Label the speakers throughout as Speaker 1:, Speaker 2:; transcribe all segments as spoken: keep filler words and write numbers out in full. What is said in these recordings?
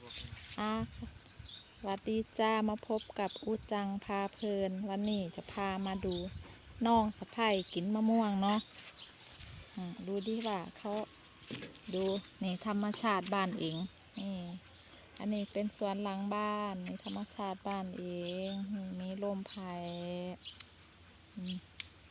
Speaker 1: อ่ะสวัสดีจ้ามาพบกับอูจังพาเพลินวันนี้จะพามาดูน้องสะใภ้กินมะม่วงเนาะอ่ะดูดิว่าเขาดูนี่ธรรมชาติบ้านเองนี่อันนี้เป็นสวนหลังบ้านนี่ธรรมชาติบ้านเองนี่มีลมไผ่อืม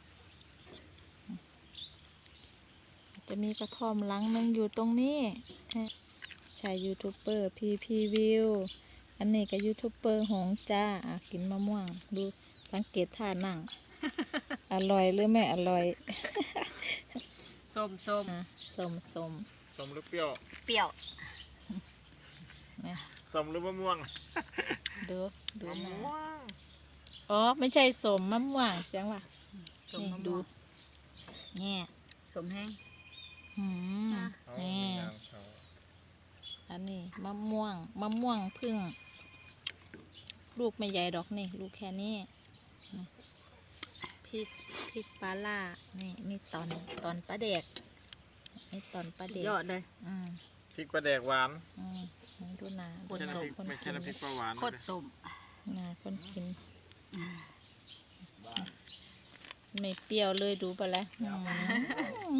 Speaker 1: จะมีกระท่อมหลังนึงอยู่ตรงนี้ใช่ยูทูบเบอร์พีพีวิวอันนี้ก็ยูทูบเบอร์หงจ้าอ่ะกินมะม่วงดูสังเกตท่านั่ง อร่อยหรือไม่อร่อย
Speaker 2: ส้มส้ม
Speaker 1: อ่ะสมสม
Speaker 3: สมหรือเปรี้ยว
Speaker 2: เปรี้ยว
Speaker 1: นะ
Speaker 3: สมหรือมะม่วง
Speaker 1: ดูดู
Speaker 3: มะ
Speaker 1: นะ
Speaker 3: ม่วง
Speaker 1: อ๋อไม่ใช่สมมะม่วงจังหวะ
Speaker 2: ส้ม
Speaker 1: นี่
Speaker 2: มะ
Speaker 1: ดู
Speaker 2: ม่วง
Speaker 1: เนี่ย
Speaker 2: ส้มแห้ง
Speaker 1: อืม
Speaker 3: เอา
Speaker 1: นี่
Speaker 3: มีน้ำเขา
Speaker 1: อันนี้มะม่วงมะม่วงพึ่ง ลูกไม่ใหญ่ดอกนี่ลูกแค่นี้นี่พริกพริกปลาล่านี่มีตอนตอนปลาเด็กมีตอนปลา
Speaker 2: สุด
Speaker 1: เด็ก
Speaker 2: ยอดเลย
Speaker 1: อืม
Speaker 3: พริกปลาแดกหวาน
Speaker 1: อืมดูหนา
Speaker 2: ค
Speaker 3: ไม่
Speaker 2: น
Speaker 3: ใช่
Speaker 2: ส้
Speaker 3: น้ำพริก
Speaker 1: คน
Speaker 3: ไม่
Speaker 1: กิ
Speaker 3: ใช่
Speaker 1: น
Speaker 3: น้ำพริกปลาหวาน
Speaker 2: โคตรส้ม
Speaker 1: หนาคนกินไม่เปรี้ยวเลยดูไปแล้วอืม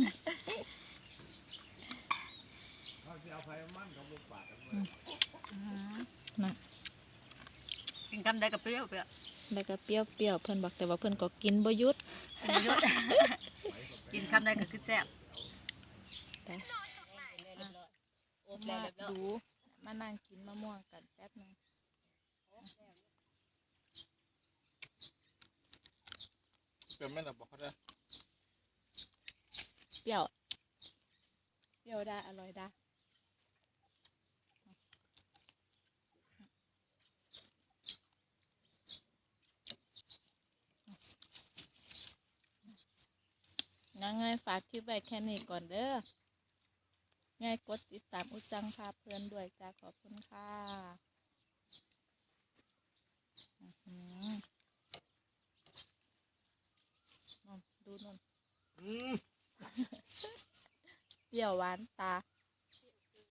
Speaker 1: นะ
Speaker 2: กินคำใดกับเปรี้ยวเปรี้ยว
Speaker 1: แล้วก็เปรี้ยวเปรี้ยวเพิ่นบอกแต่ว่าเพิ่นก็กินบ่หยุด
Speaker 2: กินเยอะ กินคำใดก็คือแซ่บ
Speaker 1: แต่มาดูมานั่งกินมะม่วงกันแป๊บหนึง
Speaker 3: เปรี้ยวไม่หลับบอกเขาได้
Speaker 1: เปรี้ยวเปรี้ยวได้อร่อยได้ยังไงฝากคลิปไว้แค่นี้ก่อนเด้อไงกดติดตามอุจังพาเพลินด้วยจ้าขอบคุณค่ะอื้อหือนู่นดูนู่น
Speaker 3: อืม
Speaker 1: เปรี้ยวหวานตา